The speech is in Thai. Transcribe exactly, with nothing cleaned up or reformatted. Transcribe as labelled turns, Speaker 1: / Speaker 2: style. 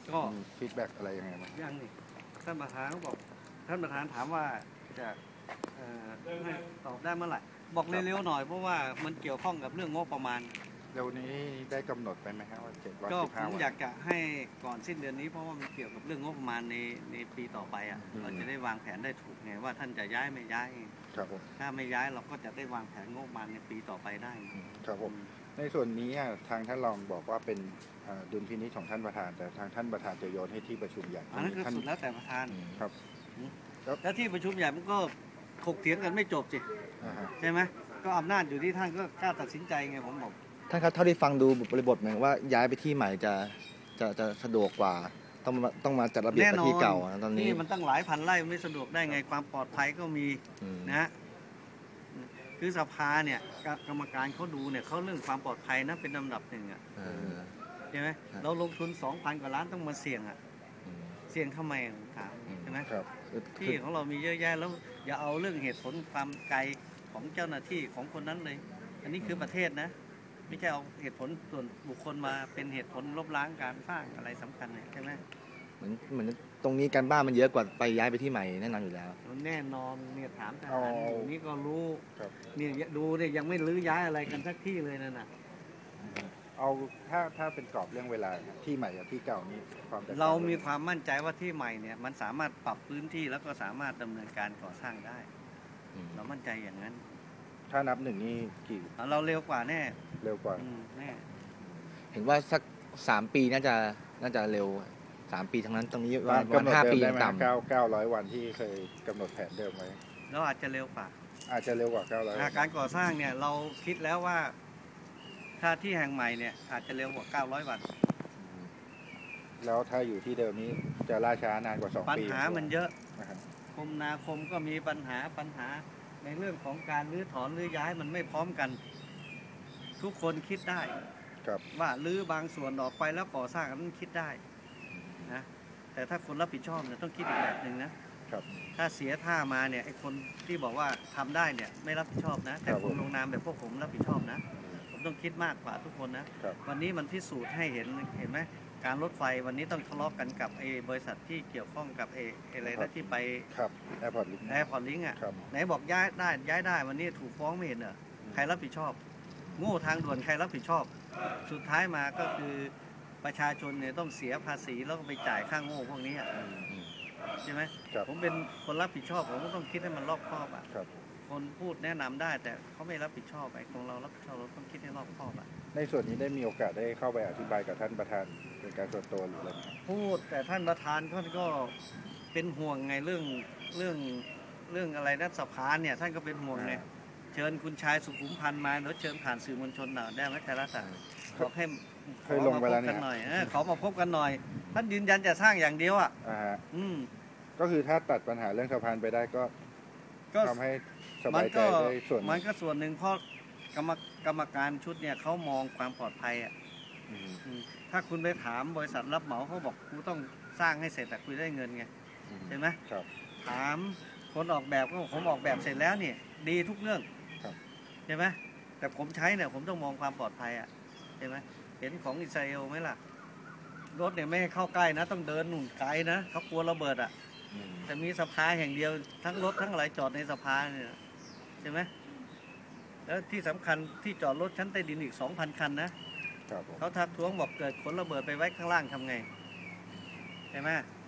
Speaker 1: ก็ฟีดแบ็กอะไรยังไงบ้าง
Speaker 2: ยังนี่ท่านประธานเขาบอกท่านประธานถามว่าจะให้ตอบได้เมื่อไหร่บอกเร็วๆหน่อยเพราะว่ามันเกี่ยวข้องกับเรื่องงบประมาณ
Speaker 1: เร็วนี้ได้กำหนดไปไหมครับว่าเจ็ดวัน
Speaker 2: ก็
Speaker 1: สิบห้า
Speaker 2: ผม
Speaker 1: วัน
Speaker 2: อยากจะให้ก่อนสิ้นเดือนนี้เพราะว่ามันเกี่ยวกับเรื่องงบประมาณในในปีต่อไปอ่ะเราจะได้วางแผนได้ถูกไงว่าท่านจะย้ายไม่ย้าย
Speaker 1: ครับผม
Speaker 2: ถ้าไม่ย้ายเราก็จะได้วางแผนงบประมาณในปีต่อไปได้
Speaker 1: ครับผมในส่วนนี้ทางท่านรองบอกว่าเป็นดุลพินิจของท่านประธานแต่ทางท่านประธานจะโยนให้ที่ประชุมใหญ่
Speaker 2: อันนั้นคือสุดแล้วแต่ประธาน
Speaker 1: ครับ
Speaker 2: แล้วที่ประชุมใหญ่มันก็ถกเถียงกันไม่จบสิใช่ไหมก็อำนาจอยู่ที่ท่านก็กล้าตัดสินใจไงผมบอก
Speaker 3: ท่านครับเท่าที่ฟังดูบริบทเหมือนว่าย้ายไปที่ใหม่จะจะจะสะดวกกว่าต้องต้องมาจัดระเบียบที่เก่าตอนนี้
Speaker 2: นี่มันตั้งหลายพันไร่ไม่สะดวกได้ไงความปลอดภัยก็มีนะคือสภาเนี่ยกรรมการเขาดูเนี่ยเขาเรื่องความปลอดภัยนะเป็นลำดับหนึ่งอ่ะใช่ไหมเราลงทุนสองพันกว่าล้านต้องมาเสี่ยงอ่ะเสี่ยงทำไมถามใช่ไหมที่ของเรามีเยอะแยะแล้วอย่าเอาเรื่องเหตุผลความไกลของเจ้าหน้าที่ของคนนั้นเลยอันนี้คือประเทศนะไม่ใช่เอาเหตุผลส่วนบุคคลมาเป็นเหตุผลลบล้างการสร้างอะไรสำคัญใช่ไหม
Speaker 3: เหมือนเหมือนตรงนี้การบ้านมันเยอะกว่าไปย้ายไปที่ใหม่แน่นอนอยู่แล้ว
Speaker 2: แน่นอนเนี่ยถามทหารอยู่นี่ก็รู้เนี่ยดูเนี่ยยังไม่รื้อย้ายอะไรกันสักที่เลยนั่นน่ะ
Speaker 1: เอาถ้าถ้าเป็นกรอบเรื่องเวลาที่ใหม่กับที่เก่านี่
Speaker 2: ความเรามีความมั่นใจว่าที่ใหม่เนี่ยมันสามารถปรับพื้นที่แล้วก็สามารถดำเนินการก่อสร้างได้เรามั่นใจอย่างนั้น
Speaker 1: ถ้านับหนึ่งนี่กี่
Speaker 2: เราเร็วกว่าแน่
Speaker 1: เร็วกว่า
Speaker 2: แน่
Speaker 3: เห็นว่าสักสามปีน่าจะน่าจะเร็วสามปีทั้งนั้นตรงนี้วันห้าปีต่ำ
Speaker 1: เก้าเก้าร้อยวันที่เคยกำหนดแผนเดิมไว้
Speaker 2: เราอาจจะเร็วกว่า
Speaker 1: อาจจะเร็วกว่าเก้าร้อย
Speaker 2: การก่อสร้างเนี่ยเราคิดแล้วว่าถ้าที่แห่งใหม่เนี่ยอาจจะเร็วกว่าเก้าร้อยวัน
Speaker 1: แล้วถ้าอยู่ที่เดิมนี้จะล่าช้านานกว่าสองปี
Speaker 2: ปัญหามันเยอะคมนาคมก็มีปัญหาปัญหาในเรื่องของการรื้อถอนรื้อย้ายมันไม่พร้อมกันทุกคนคิดได้ว่ารื้อบางส่วนออกไปแล้วก่อสร้างนั้นคิดได้นะแต่ถ้าคนรับผิดชอบเนี่ยต้องคิดอีกแบบหนึ่งนะถ้าเสียท่ามาเนี่ยไอ้คนที่บอกว่าทำได้เนี่ยไม่รับผิดชอบนะแต่คนลงนามแบบพวกผมรับผิดชอบนะผมต้องคิดมากกว่าทุกคนนะวันนี้มันพิสูจน์ให้เห็นเห็นไหมการรถไฟวันนี้ต้องทะเลาะกันกับไอ้บริษัทที่เกี่ยวข้องกับไอ้อะไรนะที่ไป
Speaker 1: แอร์พอร์ตลิงก์
Speaker 2: แอร์พอร์ตลิงก์อ่ะไหนบอกย้ายได้ย้ายได้วันนี้ถูกฟ้องไม่เห็นเหรอใครรับผิดชอบโง่ทางด่วนใครรับผิดชอบสุดท้ายมาก็คือประชาชนเนี่ยต้องเสียภาษีแล้วก็ไปจ่ายค่าโง่พวกนี้ใช่ไหมผมเป็นคนรับผิดชอบผมก็ต้องคิดให้มันรอบคอบอ่ะคนพูดแนะนำได้แต่เขาไม่รับผิดชอบไอ้ของเรารับผิดชอบเราต้องคิดให้รอบคอบอ่ะ
Speaker 1: ในส่วนนี้ได้มีโอกาสได้เข้าไปอธิบายกับท่านประธานเป็นการส่วนตัวหรืออะไร
Speaker 2: พูดแต่ท่านประธานท่านก็เป็นห่วงไงเรื่องเรื่องเรื่องอะไรนะสภาเนี่ยท่านก็เป็นห่วงไงเชิญคุณชายสุขุมพันธ์มาแล้วเชิญผ่านสื่อมวลชนหน่อยได้ไหมไทยรัฐบอกให้
Speaker 1: เคยลงไปแล้วเนี่ย
Speaker 2: หน่อยขอมาพบกันหน่อยท่านยืนยันจะสร้างอย่างเดียวอ่ะ
Speaker 1: อืมก็คือถ้าตัดปัญหาเรื่องสะพานไปได้ก็ทำให้สบายใจได้ส่วน
Speaker 2: มันก็ส่วนหนึ่งเพราะกรรมกรรมการชุดเนี่ยเขามองความปลอดภัยอ่ะถ้าคุณไปถามบริษัทรับเหมาเขาบอกกูต้องสร้างให้เสร็จแต่คุยได้เงินไงใช่ไหมถามคนออกแบบก็ผมออกแบบเสร็จแล้วเนี่ยดีทุกเรื่องใช่ไหมแต่ผมใช้เนี่ยผมต้องมองความปลอดภัยอ่ะใช่ไหมเห็นของอิสราเอลไหมล่ะรถเนี่ยไม่ให้เข้าใกล้นะต้องเดินหนุนไกลนะเขากลัวระเบิดอ่ะแต่มีสภาแห่งเดียวทั้งรถทั้งอะไรจอดในสภาเนี่ยใช่ไหมแล้วที่สำคัญที่จอดรถชั้นใต้ดินอีกสองพันคันนะเขาทักท้วงบอกเกิดขนระเบิดไปไว้ข้างล่างทำไงใช่ไหม